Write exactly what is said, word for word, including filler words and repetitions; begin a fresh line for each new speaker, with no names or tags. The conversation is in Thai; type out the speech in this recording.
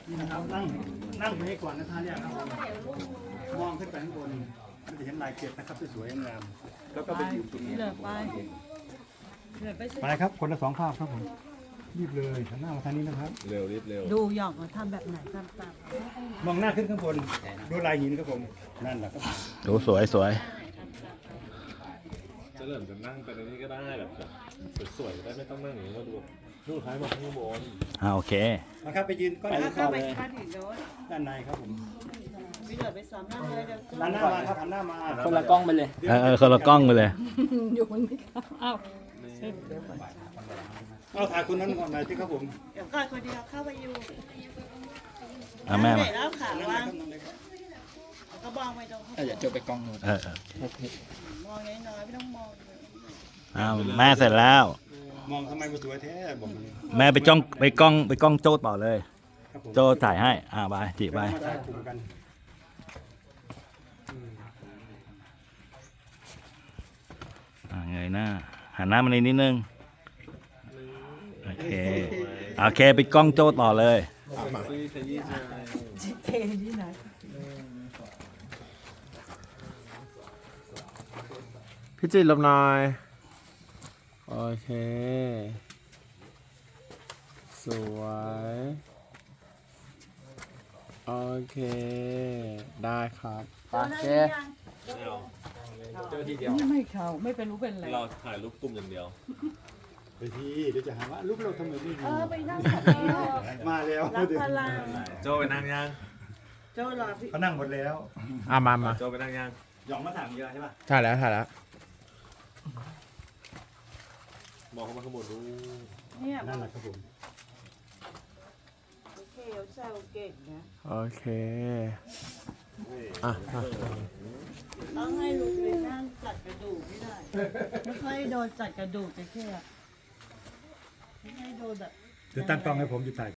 นี่นะครับนั่งนั่งตรงนี้ก่อนนะครับเนี่ยครับมองขึ้นไปข้างบนมันจะเห็นลายเกล็ดนะครับสวยๆงามๆแล้วก็ไปอยู่ตรงนี้
เหลือไปเหลือไปสิ
ไปครับคนละสองภาพครับผมรีบเลยหันหน้ามาทางนี้นะครับ
เร็วรีบเร็ว
ดูหยอกว่าทำแบบไหนทำตาม
มองหน้าขึ้นข้างบนดูลายหินครับผมนั่นแหละครับ
ดูสวยสวย
จะเริ่มจะนั่งไปในนี้ก็ได้แบบสวยๆได้ไม่ต้องนั่งอย่างนี้ก็ดูดูท้ายมาข้างบน
อ่าโอเค
นะครับไปยืนก้อนหิน
เข้า
ก่อน
ไป
เลย
ข้างถึงโน้น
ด้านในครับผม
ไม่เหลือไปซ้อมนั่งเลยเดี๋ยว
หันหน้ามาครับหันหน้ามา
คนละกล้องไปเลย
เออเออคนละกล้องไปเลย
อยู่บนนี้ครับอ้าว
เอาถ่ายคนนั้นก่อนหน่อยสิครับผม
เดี๋ยวก่อนคนเดียวเข้าไปอยู่
อ่ะแม่
ไหน
มา
แล้วขา
นั่นเล
วาย ง
ครับนั่นเลยครับ
ก็บองไปตรง
เดี๋ยวเจอไปกล้องนู้น
เออเออ
มองน้อยๆไม่ต้องมอง
อ้าวแม่เสร็จแล้ว
มองทำไมมันสวยแท้บอกมัน
แม่ไปจ้องไปกล้องไปกล้องโจ้ต่อเลย
ครับผม
โจ้ถ่ายให้ อ่าไปจีไป
มาได้กลุ่มกัน
อ่าเงยหน้าหันหน้ามาในนิดนึงโอเคโอเคไปกล้องโจ้ต่อเลย
ซีขยี้ใจ
เทที่ไหน
พี่จิตรลบหน่อยโอเคสวยโอเคได้ครับไปโอเค
ไม่เขาไม่เป็นรู้เป็นอะไร
เราถ่ายรูปกลุ่มอย่างเดียว
ไปทีเดี๋ยวจะหาว่าลูกเราทำไมไม่ดี
เออไปนั่งกับเรา
มาแล้ว
รับพลัง
โจไปนั่งยัง
เจ้ารอพี่
เขานั่งหมดแล้ว
อ่ะมามา
โจไปนั่งยัง
หยองมาถามเยอะใช่ป่ะ
ถ่ายแล้วถ่ายแล้ว
มองเข้ามาข้างบนดู
เนี่ย
นั่นแหละครับผม
โอเคเขาแซวเก่งนะ
โอเคอ่ะอ่ะ
ต้องให้ลูกไปนั่งจัดกระดูกไม่ได้ไม่ค่อยโดนจัดกระดูกจะแค่ไม่ให้โดนแบบ
เดี๋ยวตั้งกล้องให้ผมอยู่ถ่าย